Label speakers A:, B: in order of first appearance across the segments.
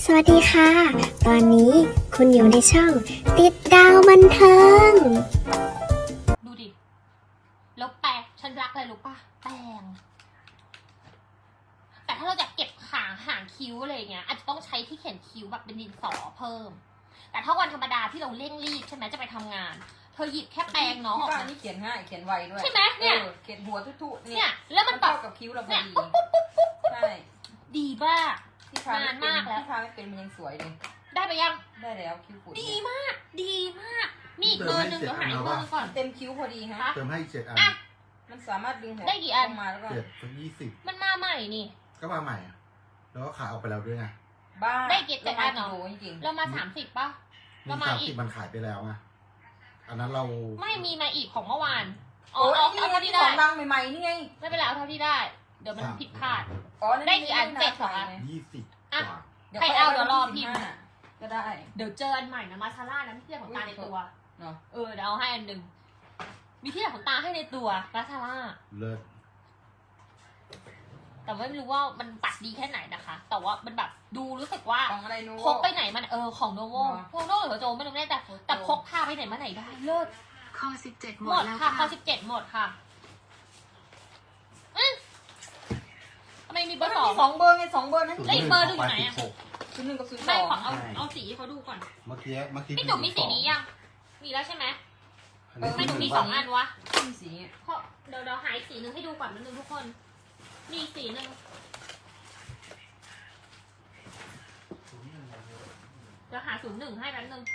A: สวัสดีค่ะ ตอนนี้คุณอยู่ในช่องติดดาวบันเทิง
B: ดูดิ แล้วแปรงฉันรักอะไรรู้ป่ะ แปรง แต่ถ้าเราจะเก็บหางคิ้วอะไรเงี้ย อาจจะต้องใช้ที่เขียนคิ้วแบบเป็นดินสอเพิ่ม แต่ถ้าวันธรรมดาที่เราเร่งรีบใช่ไหมจะไปทำงาน เธอหยิบแค่แปรงน้องออก
C: ที่บ้าน
B: มา
C: นี่เขียนง่ายเขียนไวด้วย
B: ใช่ไหมเนี่ย
C: เขียนหัวทุกๆ
B: เนี่ย แล้วมันแบ
C: เข้า
B: บ
C: กับคิ้วเราพอ
B: เนี่ย
C: ดี
B: ปุ๊บปุ๊บปุ๊บปุ๊บปุ๊บ
C: ใช่
B: ดีมาก
C: ที่ทาน
B: นานมากแล้ว
C: ที่ทาไม่เป็นมันยังสวยเลย
B: ได้ไปยัง
C: ได้แล้วคิ้วฝุ่น
B: ดีมาก ดีมาก มีอีกเบอร์หนึ่งเดี๋ยวหาอีกเบอร์หนึ่งก่อน
C: เต็มคิ้วพอดีฮะ
D: เติมให้อีก7 อัน
B: อ่ะ
C: มันสามารถดึงหัว
B: ได้กี่อัน
C: ลงมาแล้วก็
D: 7 20
B: มันมาใหม่นี่
D: ก็มาใหม่อะแล้วก็ขายออกไปแล้วด้วยไง
C: บ้า
B: ได้กี่เจ็ดอันเหรอ
C: ลงมากิโลจริง
B: เรามา30ป่ะ เรามาอีก
D: 30มันขายไปแล้วไงอันนั้นเรา
B: ไม่มีมาอีกของเมื่อวาน
C: ๆ
B: อ๋อเอา
C: นี่
B: เอา
C: ไง
B: เท่า
C: ที่
B: ที่
C: ข
B: ได้
C: องดังใหม่ๆนี่ไง
B: ไม่เป็นไรเอาเท่าที่ได้ เดี๋ยวมันผิดพลาด
C: อ๋อ
B: ได้กี่อันเจ็ดสองอัน
D: 20
B: อ่ะ
D: กว่า
B: ใครเอาเดี๋ยวรอพิมพ์
C: ก็ได้
B: เดี๋ยวเจออันใหม่นะมาซาร่านะมีที่ของตาในตัว
C: เนาะ
B: เดี๋ยวเอาให้อันหนึ่งมีที่ของตาให้ในตัวมาซาร่า
D: เลิศ
B: แต่ว่าไม่รู้ว่ามันปัดดีแค่ไหนนะคะ แต่ว่ามันแบบดูรู้สึกว่า
C: ของอะไรนู้
B: พกไปไหนมันของโนโว
C: เนอะ
B: พวกโนโวหรือโจไม่รู้แน่แต่พกพาไปไหนมาไหนได้เลิศ
E: ข้อ17 ห
B: ห
E: ม
B: ม
E: ด
B: ด
E: แล้ว
B: ค่ะ
E: ค่ะ
B: ข้อ17หมดค่ะทำไมมีเบอร์สอง
C: สองเบอร์ไงสองเบอร์นั่น
B: แล้วอีกเบอร์หนึ่งอยู่ไหนอะ
C: ศูนย์หนึ่งกับศูนย์ส
B: ไม่
C: อง
B: ขอเอาสีให้เขาดูก่อน
D: เมื่อกี้
B: พี่จุ๋มมีสีนี้ยัง มีแล้วใช่ไหม
D: อันนี้
B: ไม่หนูมี2 อันวะ
C: มีสี
B: เพราะเดี๋ยวหาอีกสีหนึ่งให้ดูก่อนนิดนึงทุกคน มีอีกสีหนึ่งเดี๋ยวหา01ให้แป๊บนึง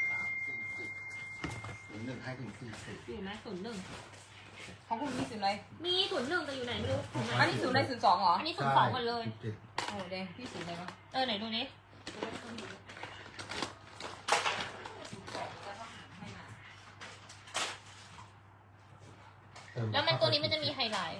D: 01ให้ถึง40
B: อยู่ไหม01
C: ของคุณมีศูนย์อะไร
B: มี01แต่อยู่ไหนไม่รู้ถูกไหม
C: อันนี้ศูนย์อะไรศูนย์สองเหรอ
B: อันนี้02หมดเลย
C: โอ้เด้พี่ศูนย์อะไรวะ
B: ไหนดูนี้แล้วมันตัวนี้มันจะมีไฮไลท์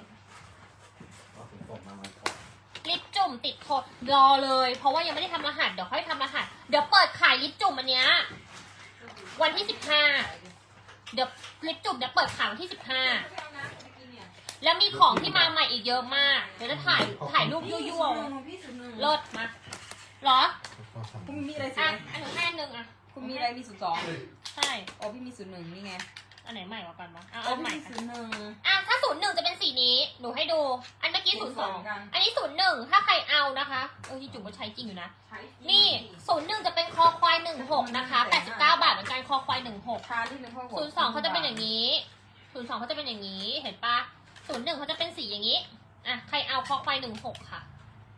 B: ลิปจุ่มติดทนรอเลย เพราะว่ายังไม่ได้ทำรหัสเดี๋ยวค่อยทำรหัสเดี๋ยวเปิดขายลิปจุ่มอันเนี้ยวันที่15เดี๋ยวลิปจุ่มเดี๋ยวเปิดขายวันที่15แล้วมีของที่มาใหม่อีกเยอะมากเดี๋ยวจะถ่ายรูปยั่วๆ
C: พี่ศูนย์หนึ่ง
B: เลิศมาเหรอ
C: คุณมีอะไรสิ
B: อ่ะอันหนึ่งให้อันหนึ่งอ่ะ
C: คุณมีอะไรมีศูนย์สอง
B: ใช่
C: อ๋อพี่มีศูนย์หนึ่งนี่ไง
B: อันไหนใหม่กว่ากันวะ
C: อ๋อ
B: เอา
C: พี่
B: ใหม่
C: มี
B: ค่ะ
C: ศูนย์หนึ่ง
B: ถ้า01จะเป็นสีนี้หนูให้ดู อันเมื่อกี้02
C: กัน
B: อันนี้01ถ้าใครเอานะคะที่จุ๋มก็ใช้จริงอยู่นะนี่01จะเป็นคอควาย16นะคะ89 บาทเหมือนกันคอควาย16
C: ทาที่เป็นพ่อหัว
B: 02เขาจะเป็นอย่างนี้02เขาจะเป็นอย่างนี้เห็นปะ01เขาจะเป็นสีอย่างนี้ใครเอาคอควาย16ค่ะ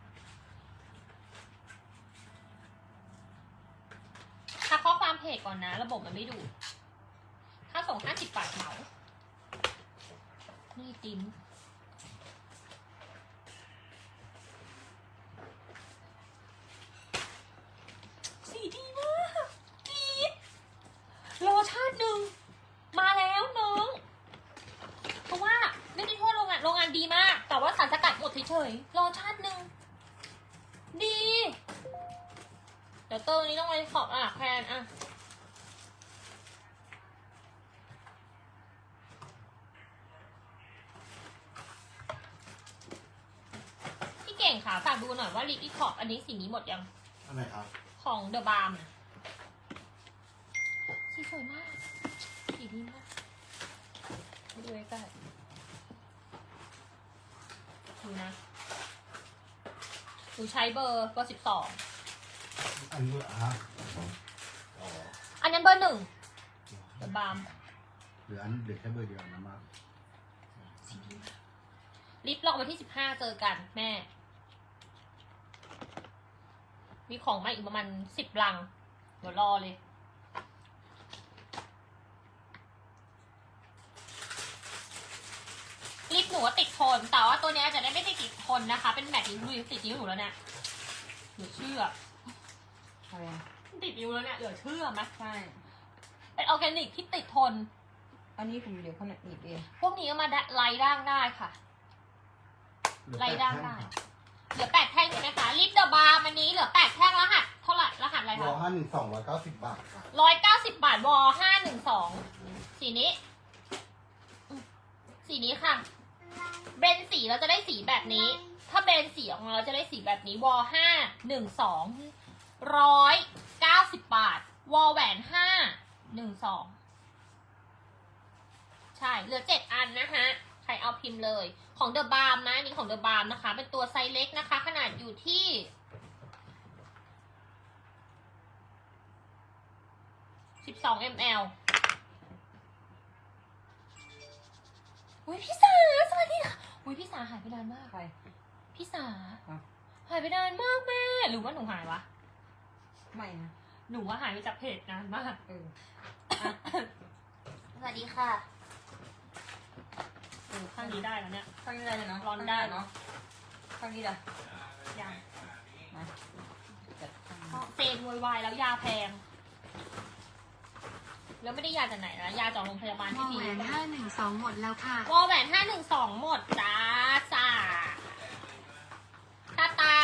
B: ทักข้อความเพจก่อนนะระบบมันไม่ดูค่าส่ง50 บาทเหมานี่ติ้มสีดีมากดีโลชั่นหนึ่งมาแล้วน้องเพราะว่าไม่ได้โทษโรงงานดีมาก แต่ว่าสารสกัดหมดเฉยๆโลชั่นหนึ่งดีเดี๋ยวเตอร์นี้ต้องไปขอบแพนพี่เก่งค่ะฝากดูหน่อยว่าลิปอีขอบอันนี้สีนี้หมดยัง
D: อันไหนครับ
B: ของเดอะบาร์มสีสวยมากสีดีมากดูใกล้ๆดูนะหนูใช้เบอร์12
D: อันนี้ฮะอ๋อ
B: อันนั้นเบอร์1เดอะบาร์ม
D: เหลือแค่เบอร์เดียวนะมาก
B: ลิฟต์ลองวันที่15เจอกันแม่ มีของมาอีกประมาณ10 ลัง เดี๋ยวรอเลย ลิปหนูว่าติดทน แต่ว่าตัวเนี้ยจะได้ไม่ได้ติดทนนะคะ เป็นแมทนิ้วดูติดนิ้วหนูแล้วเนี่ยเหลือเชื่อ
C: อะไร
B: ติดนิ้วแล้วเนี่ยเหลือเชื่อไหม
C: ใช่
B: เป็นออร์แกนิกที่ติดทน
C: อันนี้ผมเดี๋ยวเขาหนีบเอง
B: พวกนี้ก็มาไล่ด่างได้ค่ะ ไล่ด่างได้ เหลือ8 แท่งใช่ไหมคะ ลิปเดอะบาร์มันนี้เหลือ8 แท่งรหัสเท่าไหร่รหัสอะไร
D: ว
B: คะ
D: อ512 190 บาทค่ะ
B: 190 บาทว512สีนี้สีนี้ค่ะเบนสีเราจะได้สีแบบนี้ ถ้าเบนสีออกมาเราจะได้สีแบบนี้ว512 190 บาท วอลแหวน512ใช่ เหลือ 7 อันนะคะ ใครเอาพิมพ์เลย ของเดอะบาร์มนะอันนี้ของเดอะบาร์มนะคะ เป็นตัวไซส์เล็กนะคะ ขนาดอยู่ที่12 ml อุ้ยพี่สาสวัสดีค่ะอุ้ยพี่สาหายไปนานมาก
C: ใคร
B: พี่สา
C: อ่ะ
B: หายไปนานมากแม่ หรือว่าหนูหายวะ
C: ไม่นะ
B: หนูว่าหายไปจากเพจนานมาก
C: เออ
B: สวัสดีค่ะข้างนี้ได้แล้วเนี่ย
C: ข้างนี้ได้เลยเนาะ
B: ร้อนได้
C: เนาะข้างนี้ได้
B: ยัง
C: มาจัดข้าง
B: เพ
C: นี้
B: ราะเซนโวยวายแล้วยาแพง แล้วไม่ได้ยาจากไหนนะยาจากโรงพยาบาล
E: ว
B: ที่
E: อล
B: มี
E: แหวน512 หมดแล้วค่ะ
B: วอลแหวน512 หมดจ้าจ้าตาตา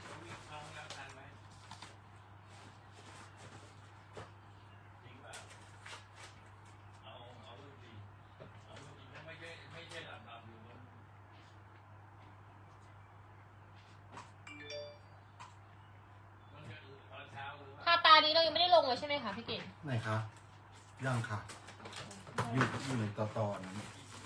B: ทาตานี้เรายังไม่ได้ลงเลยใช่ไหมคะพี่เก่ง
D: ไหนคะยังค่ะ อยู่ในตอนนั้น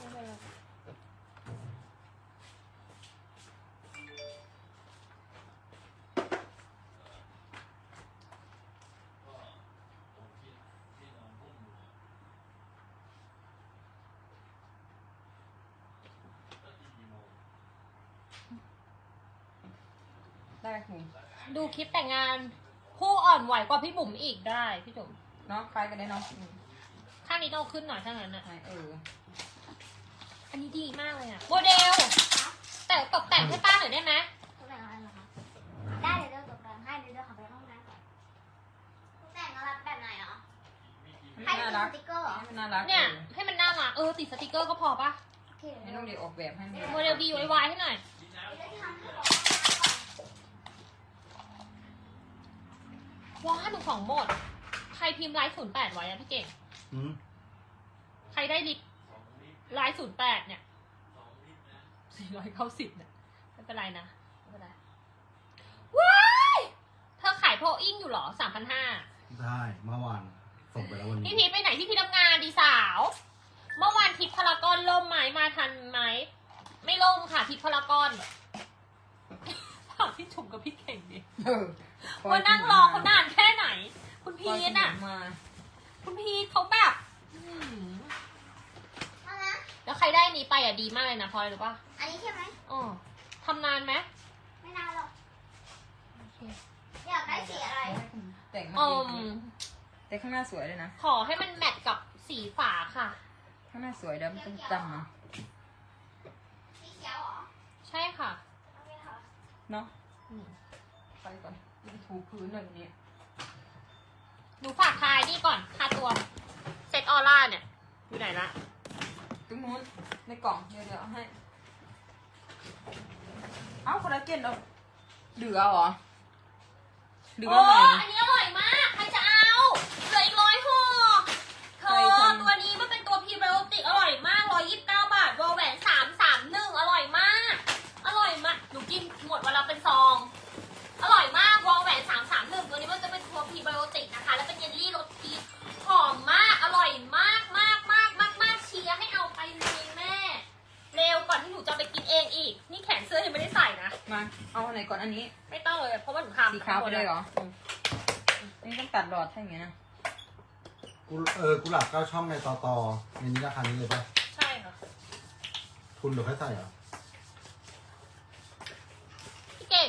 C: ได้คุณ
B: ดูคลิปแต่งงานผู้อ่อนไหวกว่าพี่บุ๋มอีกได้พี่จุ๋ม
C: เนาะคล้ายกันได้เนาะ
B: ข้างนี้ต้องเอาขึ้นหน่อยถ้างั้นอ่ะ
C: ไหนเออ
B: อันนี้ดีมากเลยอ่ะโมเดล แต่ตกแต่งให้ป้าหน่อยได้ไหม
A: ตกแต่งอะไรเหรอคะได้เดี๋ยวตกแต่งให้เดี๋ยวขอไปห้องน้ำก่อนตกแต่งอะไรแบบไหนเหรอ
C: ให้
A: ให้
C: มัน
A: เป็
C: น่าน รัก
A: สติกเกอร์เหรอ
C: ให้มันน่ารัก
B: เนี่ย ให้มันน่ารักติดสติกเกอร์ก็พอปะ
A: โอเค
C: ไม่ต้องเดี๋ยวออกแบบให้มัน
B: โมเดล DIY ให้หน่อย
A: เดี๋ยวทำให้บอก
B: ว้า112 หมด ใครพิมพ์ไลฟ์08ไว้อะพี่เก่ง
D: อืม
B: ใครได้ลิฟต์ไลฟ์08เนี่ย490เนี่ยไม่เป็นไรนะไม่เป็นไรว้ายเธอขายโพอิ้งอยู่เหรอ 3,500
D: ได้เมื่อวานส่งไปแล้ววันนี้
B: พี่พีชไปไหนพี่พีชทำงานดีสาว เมื่อวานทิพย์พารากอนล่มไหมมาทันไหมไม่ล่มค่ะทิพย์พารากอนถามพี่จุ๋มกับพี่เก่งดิ
C: เออ
B: ว่านั่งรอเขานานแค่ไหน คุณพีชอ่ะ
C: มา
B: คุณพีชเขาแบบแล้วใครได้อันนี้ไปอ่ะดีมากเลยนะพลอยหรือปะ
A: อันนี้ใช่ไหม
B: อ๋อทำนานไหม
A: ไม่นานหรอกอยากได้สีอะไร
C: ให้คุณแต่งมา
B: อื
C: ดี
B: ม
C: แต่ข้างหน้าสวยเลยนะ
B: ขอให้มันแมทกับสีฝาค่ะ
C: ข้างหน้าสวยแล้วมันต้องจำนะ
A: สีเขียวเหรอ
B: ใช่ค่ะ
A: โอเคค่ะ
C: เนาะ
B: อืม
C: ไปก่อนถูพื้นหน่อยนี้
B: หนูฝากทายนี่ก่อนค่าตัวเซตออร่าเนี่ยอยู่ไหนละ
C: ตรงนู้นในกล่องเดี๋ยวเอาให้ เอ้าคอลลาเจนเราเหลือเหรอเหลือ
B: โอ้
C: ไหน
B: อันนี้อร่อยมาก ใครจะเอาเหลืออีก100 ห่อเธ
C: ใคร
B: อ
C: ทำ
B: ตัวนี้มันเป็นตัวพรีไบโอติกอร่อยมาก129 บาทวอลแหวน331อร่อยมาก อร่อยมากหนูกินหมดวันละเป็นซอง อร่อยมากวอลแหวน331ตัวนี้มันจะเป็นตัวพรีไบโอติกนะคะ แล้วเป็นเยลลี่รสพีชหอมมาก อร่อยมากมากมากมากมากเชียร์ให้เอาไปเลยแม่ เร็วก่อนที่หนูจะไปกินเองอีก นี่แขนเสื้อยังไม่ได้ใส่นะ
C: มา เอาอันไหนก่อนอันนี้
B: ไม่ต้องเลยเพราะว่าหนูทำ
C: สีขาวไปเลยเหรอ นี่ต้องตัดหลอดใช่ไหมนะ
D: กุหลาบ9 ช่องในตอในนี้ราคานี้เลยป่ะ
B: ใช่ค่ะ
D: คุณเดี๋ยวค่อยใส่เหรอ
B: พี่เก่ง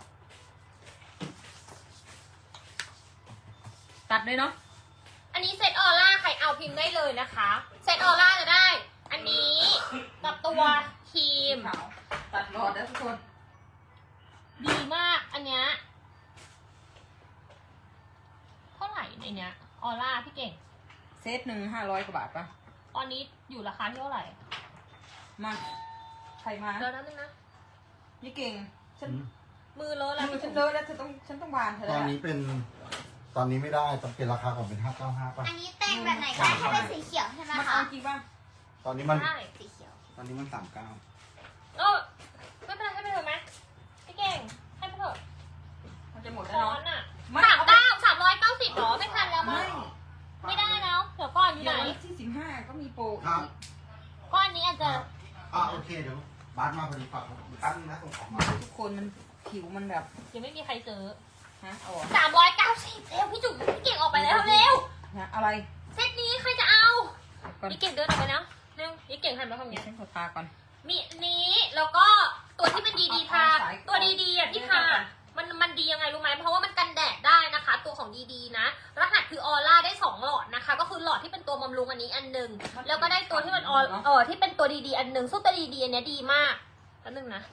C: ตัดเลยเนาะ
B: อันนี้เซตออร่าใครเอาพิมพ์ได้เลยนะคะ เซตออร่าจะได้ อันนี้กับตัวครีม
C: ขาวตัดหลอดแล้วทุกคน
B: ดีมากอันเนี้ยเท่าไหร่ในเนี้ยออร่าพี่เก่ง
C: เซตหนึ่ง500 กว่าบาทปะ
B: ตอนนี้อยู่ราคาที่เท่าไหร่
C: มาใครมา
B: เดี๋ยวนั้นนึงนะ
C: นี่เก่ง ฉัน
D: อืม
B: มือเลอะแล้ว
C: มือฉันเลอะแล้วฉันต้องวานเธอ
D: ต
C: แล้
D: อน
C: ว
D: นี้เป็น ตอนนี้ไม่ได้ต้องเป็นราคาก่อนเป็น595ป่ะ
A: อันนี้แต่งแบบไหนก็ได้ถ้าเป็นสีเขียวใช่ไหม
C: มัน
A: คะ
C: เอาจริงป่ะ
D: ตอนนี้มัน
B: ใช่
A: สีเขียว
D: ตอนนี้มัน39
B: เออไม่เป็นไรให้ไปเถอะไหมพี่เก่งให้ไปเถอะ
C: มันจะหมด
B: ค
C: แล้ว
B: อ
C: เนาะ
B: นอ่ะ
C: ไม่
D: เดี๋ยวบาสมาพอดีฝากตั้งนะส่งของมา
C: ทุกคนมันผิวมันแบบ
B: ยังไม่มีใครซื้อ
C: ฮะเอาเหรอ
B: 390เร็วพี่จุ๋มพี่เก่งออกไปแล้วเร็ว
C: ฮะอะไร
B: เซตนี้ใครจะเอา
C: ก่อน
B: พี่เก่งเดินออกไปนะเร็วพี่เก่งหันมาทาง
C: เดี๋ย
B: นี้
C: วฉันขอทาก่อน
B: มีนี้แล้วก็ตัวที่เป็นดีๆทา
C: เอาสาย
B: ตัวดีๆอ่ะที่ทามันดียังไงรู้ไหมเพราะว่ามันกันแดดได้นะคะ ตัวของดีๆนะรหัสคือออร่าได้2หลอดนะคะ ก็คือหลอดที่เป็นตัวบำรุงอันนี้อันหนึ่งแล้วก็ได้ตัวที่มันที่เป็นตัวดีๆอันหนึ่งซึ่งตัวดีๆอันเนี้ยดีมากอันหนึ่งนะ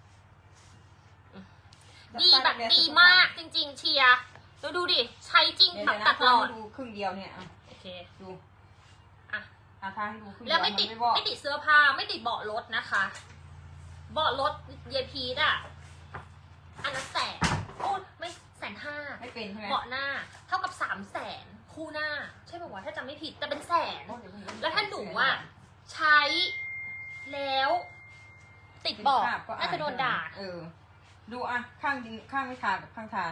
B: ดีแบบดีมากจริงๆเชียร์แล้วดูดิใช้จริง
C: เดี๋ยว
B: แบบ
C: นะ
B: ตัดหลอด
C: ดูครึ่งเดียวเนี่ยอ่ะ
B: โอเค
C: ดู
B: อ่ะ
C: ทาให้ดูครึ่งเดี
B: แล้ว
C: ยว
B: ไม่ติด
C: นบอก
B: ไม่ติดเสื้อผ้าไม่ติดเบาะรถนะคะเบาะรถเยพีดอ่ะอันละ100,000โอ้ไม่150,000
C: ไม่เป็นใช่ไหม
B: เบาะหน้าเท่ากับ300,000คู่หน้า ใช่ป่าวะถ้าจำไม่ผิดแต่เป็นแสน
C: โอ้เดี๋ยผม
B: แล้วถ้าหนูอ่ะใช้แล้ว ติดเบาะ
C: ภพก็
B: น่าจะโดนด่า
C: เออ ดูอ่ะข้างจริงข้างไม่ทากับข้างทา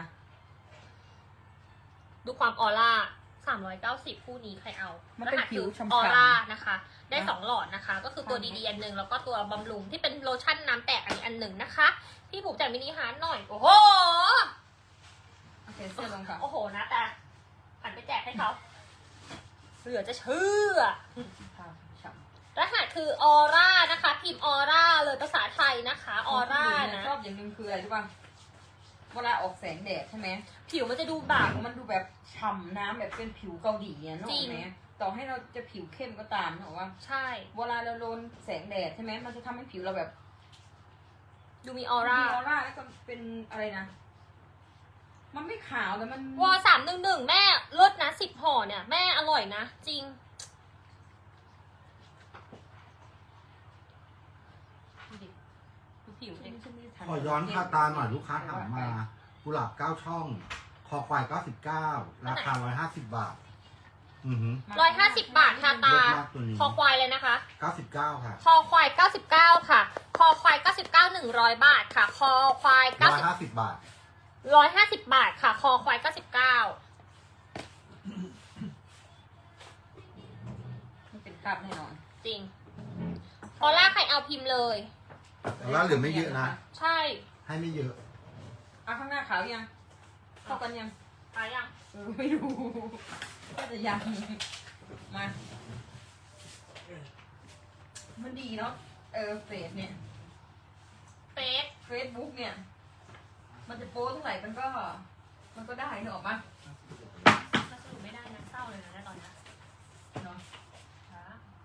B: ดูความออร่า390คู่นี้ใครเอา
C: มันเป็น
B: รหัส
C: ผิว
B: คือ
C: ฉ่ำๆ
B: ออร่านะคะ ได้
C: นะ
B: 2หลอดนะคะ ก็คือตัว
C: ใช่
B: ดีๆอันหนึ่งแล้วก็ตัวบำรุงที่เป็นโลชั่นน้ำแตกอันหนึ่งนะคะ พี่ผูกแจกมินิฮาร์ดหน่อย โอ้โห
C: โอเคเสื้อลงค่ะ
B: โอ้โหนะแต่หันไปแจกให้เขาเหลือจะเชื่อ
C: ทาฉ่ำ
B: รหัสคือออร่านะคะพิมพ์ออร่าเลยภาษาไทยนะคะออร่านะ
C: ชอบอย่างหนึงคืออะไรรู้ป่ะเวลาออกแสงแดดใช่ไหม
B: ผิวมันจะดูแบบ
C: มันดูแบบฉ่ำน้ำแบบเป็นผิวเกาหลีอ่ะนึกอ
B: จริ
C: อก
B: ง
C: ไหมต่อให้เราจะผิวเข้มก็ตามนึกออกว่า
B: ใช่
C: เวลาเราโดนแสงแดดใช่ไหมมันจะทำให้ผิวเราแบบ
B: ดูมีออร่า
C: มีออร่าแล้วก็เป็นอะไรนะ มันไม่ขาวแต่มัน
B: วอ311แม่เลิศนะ10ห่อเนี่ยแม่อร่อยนะ จริงดูดิดูผิวดิ
D: ขอย้อนพาตาหน่อยลูกค้าถามมากุหลาบ9ช่อง คอควาย99ราคา150 บาท อือหือ
B: 150 บาททาตา
D: เลิศมากตัวนี้
B: คอควายเลยนะคะ
D: 99ค่ะ
B: คอควาย99ค่ะคอควาย99 100 บาทค่ะ คอควาย90
D: 150 บาท
B: 150 บาทค่ะ คอควาย99
C: มันเป็นคราบแน่นอน
B: จริงออร่าใครเอาพิมพ์เลย
D: แล้วเหลือไม่เยอะนะ
B: ใช่
D: ให้ไม่เยอะ
C: อ่ะข้างหน้าขาวยังเข้ากันยัง
B: ตายยัง
C: ไม่รู้ก็จะยังมา มันดีเนาะเฟซเนี่ย
B: เฟซ
C: เฟซบุ๊กเนี่ย มันจะโป้เท่าไหร่มันก็ได้เนอะออกมา
B: ถ้าสรุปไม่ได้นะเศร้าเลยนะตอนนี้
C: เนาะ
B: ค่ะ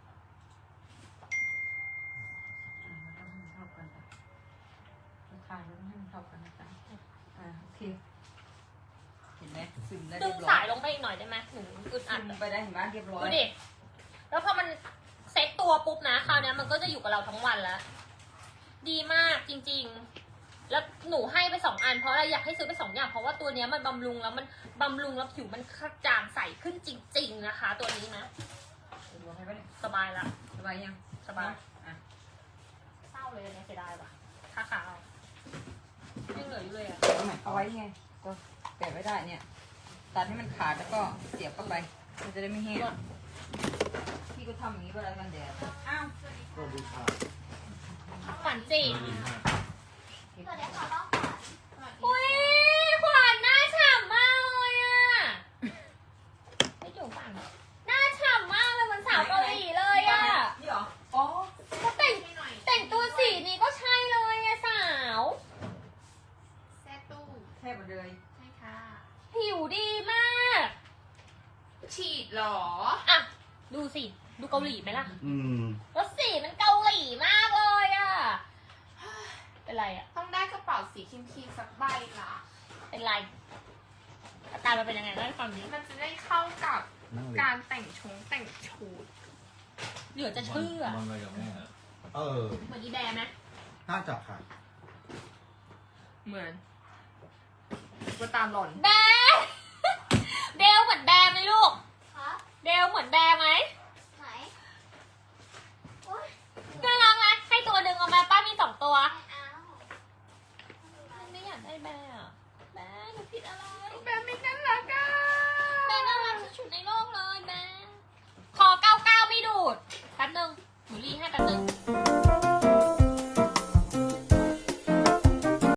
C: มันต้องให้มันเท่ากันจ้ะราคาเราต้องให้มันเท่ากันนะจ๊ะโอเค เห็นไหมซึมได้
B: ดึ
C: เรีย
B: ง
C: บร้อ
B: สาย ยลงไปอีกหน่อยได้ไหมหนูอึดอั
C: ซึ
B: ด
C: มไปได้เห็นไหมเรียบร้อย
B: ดูดิ แล้วพอมันเซ็ตตัวปุ๊บนะคราวนี้มันก็จะอยู่กับเราทั้งวันแล้ว ดีมากจริงๆ แล้วหนูให้ไป2 อันเพราะอะไรอยากให้ซื้อไป2 อย่างเพราะว่าตัวเนี้ยมันบำรุงแล้วมันบำรุงแล้วผิวมันกระจ่างใสขึ้นจริง ๆนะคะ ตัวนี้นะ
C: ดูให้ปะเนี่ย
B: สบายละ
C: สบายยัง
B: สบาย
C: อ่ะ
B: เศร้าเลยเนี่ยเสียดายว่ะค่าขาวยังเหลืออยู่เลยอ่ะ
C: เอาไว้ไงก็แปะไว้ได้เนี่ย ตัดให้มันขาดแล้วก็เสียบเข้าไป มันจะได้ไม่แห้งพี่ก็ทำอย่างนี้เวลากันแดดอ้าว
D: สวัสดีค่ะ
B: ขวัญจี
A: สวัสดีค่ะน้องขวัญ
B: อุ้ยขวัญหน้าฉ่ำมากเลยอ่ะไม่จุ๋มฟังหน้าฉ่ำมากเลยเหมือนสาวเกาหลีเลยอ่ะ
C: นี่เหรอ อ๋อ
B: เขาแต่งตัวสีนี้ก็ใช่เลยไงสาว
A: แซ่ตู้
C: แทบหมดเลย
A: ใช่ค่ะ
B: ผิวดีมาก
A: ฉีดหรอ
B: อ่ะ ดูสิ ดูเกาหลีไหมล่ะ
D: อืม
B: แล้วสีมันเกาหลีมากเลยอ่ะ เป็นไรอ่ะ
A: ต้องได้กระเป๋าสีครีมๆสักใบล่ะ
B: เป็นไร อาการมันเป็นยังไงเล่าให้ฟังดิ
A: มันจะได้เข้ากับ
D: นั่งเลย
A: การแต่งชุด
B: เหลือจะเชื่อ
F: มันอะไรกับแม่อะ
D: เออ
B: เหมือนอีแบร์ไหม
D: น่าจะค่ะ
A: เหมือนก็ตามหล่อน
B: แบร์เดลเหมือนแบร์ไหมลูก
A: คะ
B: เดลเหมือนแบร์ไหม
A: ไหนโอ๊ย
B: น่ารักไหมให้ตัวหนึ่งเอามาป้ามี2 ตัว
A: ไม่เอา
B: ไม่อยากได้แบร์อะแบร์หนูผิดอะไร
A: แม่ไม่